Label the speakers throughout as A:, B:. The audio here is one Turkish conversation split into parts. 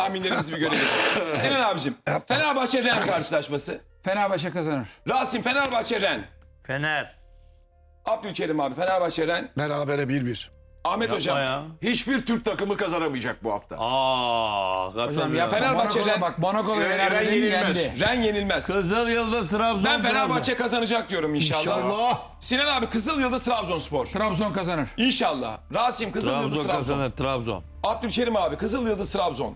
A: tahminlerimizi bir görelim. Sinan abicim, Fenerbahçe Ren karşılaşması.
B: Fenerbahçe kazanır.
A: Rasim Fenerbahçe Ren.
C: Fener.
A: Abdülkerim abi Fenerbahçe Ren.
D: Berabere 1-1.
A: Ahmet hocam.
C: Ya.
E: Hiçbir Türk takımı kazanamayacak bu hafta.
B: Hocam ya
A: Fenerbahçe
B: Monaco'da
A: Ren-
B: bak Monaco'da
E: Ren
B: Fenerbahçe
E: yenilmez.
B: yendi.
A: Ren yenilmez.
C: Kızıl Yıldız Trabzon.
A: Ben Fenerbahçe kazanacak diyorum inşallah.
D: İnşallah.
A: Sinan abi Kızıl Yıldız Trabzonspor.
B: Trabzon kazanır.
A: İnşallah. Rasim Kızıl Yıldız
C: Trabzon
A: Trabzon.
C: kazanır. Trabzon.
A: Abdülkerim abi Kızıl Yıldız Trabzon.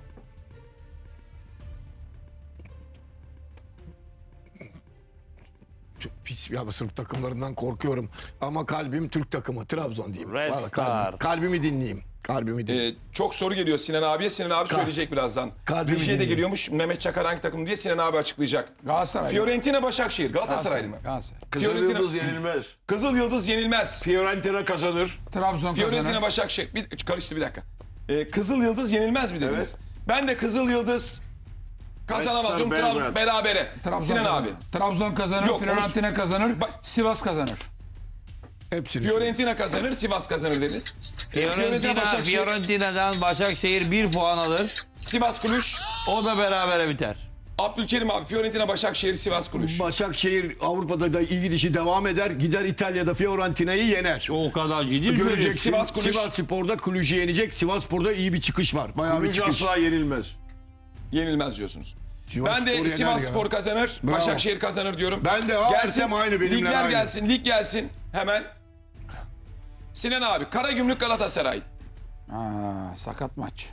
D: Çok pis ya, Sırp takımlarından korkuyorum. Ama kalbim Türk takımı. Trabzon diyeyim.
C: Red
D: Vallahi
C: Star.
D: Kalbimi dinleyeyim. Kalbimi dinleyeyim.
A: Çok soru geliyor Sinan abiye. Sinan abi söyleyecek birazdan.
D: kalbimi
A: Rejiye de
D: dinleyin.
A: geliyormuş. Mehmet Çakar hangi takım diye Sinan abi açıklayacak.
B: Galatasaray.
A: Fiorentina Başakşehir. Galatasaraylı mı?
B: Galatasaray.
E: Kızıl
A: Fiorentina-
E: Yıldız yenilmez.
A: Kızıl Yıldız yenilmez.
E: Fiorentina kazanır.
B: Trabzon
A: Fiorentina
B: kazanır.
A: Başakşehir. Karıştı bir dakika. Kızıl Yıldız yenilmez mi dediniz?
E: Evet.
A: Ben de Kızıl Yıldız kazanamaz.
E: Red Star Belgrad.
A: Berabere.
B: Trabzon
A: Sinan
B: kazanır.
A: abi.
B: Trabzon kazanır.
A: Yok,
B: Fiorentina kazanır.
A: Bak-
B: Sivas kazanır.
D: Hepsini
A: Fiorentina kazanır, Sivas kazanır dediniz.
C: Fiorentina'dan Başakşehir 1 puan alır.
A: Sivas Kulüş.
C: O da berabere biter.
A: Abdülkerim abi Fiorentina Başakşehir Sivas Kulüş.
D: Başakşehir Avrupa'da da iyi gidişi devam eder. Gider İtalya'da Fiorentina'yı yener.
C: O kadar ciddi mi
D: Göreceksin.
C: söylüyorsun?
A: Sivas Kulüş.
D: Sivas Spor'da Kulücü yenecek. Sivas Spor'da iyi bir çıkış var. Bayağı bir
E: Kulücü
D: çıkış.
E: asla yenilmez.
A: Yenilmez diyorsunuz.
D: Sivas
A: Ben de
D: Spor yener
A: Sivas
D: ya.
A: Spor kazanır,
D: Bravo.
A: Başakşehir kazanır diyorum.
D: Ben de Ertem aynı benimle
A: ligler
D: aynı.
A: gelsin, lig gelsin hemen. Sinan abi, Karagümrük Galatasaray.
B: Sakat maç.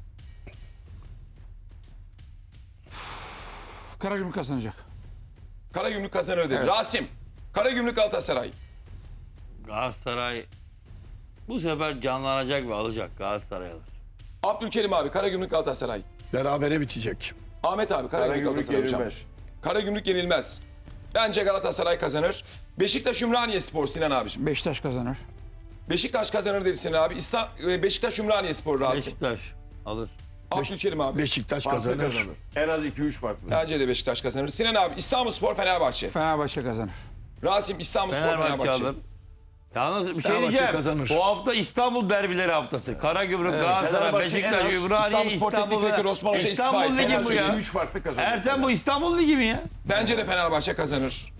B: Karagümrük kazanacak.
A: Karagümrük kazanır dedi. Rasim, Karagümrük Galatasaray.
C: Galatasaray bu sefer canlanacak ve alacak. Galatasaray alır.
A: Abdülkerim abi, Karagümrük Galatasaray.
D: Berabere bitecek.
A: Ahmet abi, Karagümrük
E: Karagümrük
A: Galatasaray hocam.
E: yenilmez.
A: Karagümrük yenilmez. Bence Galatasaray kazanır. Beşiktaş Ümraniye Spor Sinan abiciğim.
B: Beşiktaş kazanır.
A: Beşiktaş kazanır dedi Sinan abi. Beşiktaş Ümraniye Spor Rasim.
C: Beşiktaş alır.
A: Abdülkerim abi.
D: Beşiktaş
E: Farklı
D: kazanır.
E: kazanır. En az 2-3 farklı.
A: Bence de Beşiktaş kazanır. Sinan abi İstanbulspor Fenerbahçe.
B: Fenerbahçe kazanır.
A: Rasim İstanbulspor
C: Fenerbahçe
A: Fenerbahçe.
C: alır. Yalnız bir şey
D: Fenerbahçe
C: diyeceğim.
D: kazanır.
C: Bu hafta İstanbul derbileri haftası. Karagümrük, Galatasaray,
E: Fenerbahçe en
C: Beşiktaş,
E: az
C: Ümraniye,
A: İstanbulspor Teknik
C: İstanbul.
A: Direktörü Osman Hoca
C: İstanbul
A: istifa etti.
C: Ligi bu ya.
E: 2-3 farklı kazanır.
C: Ertem bu İstanbul Ligi mi ya?
A: Bence de Fenerbahçe kazanır.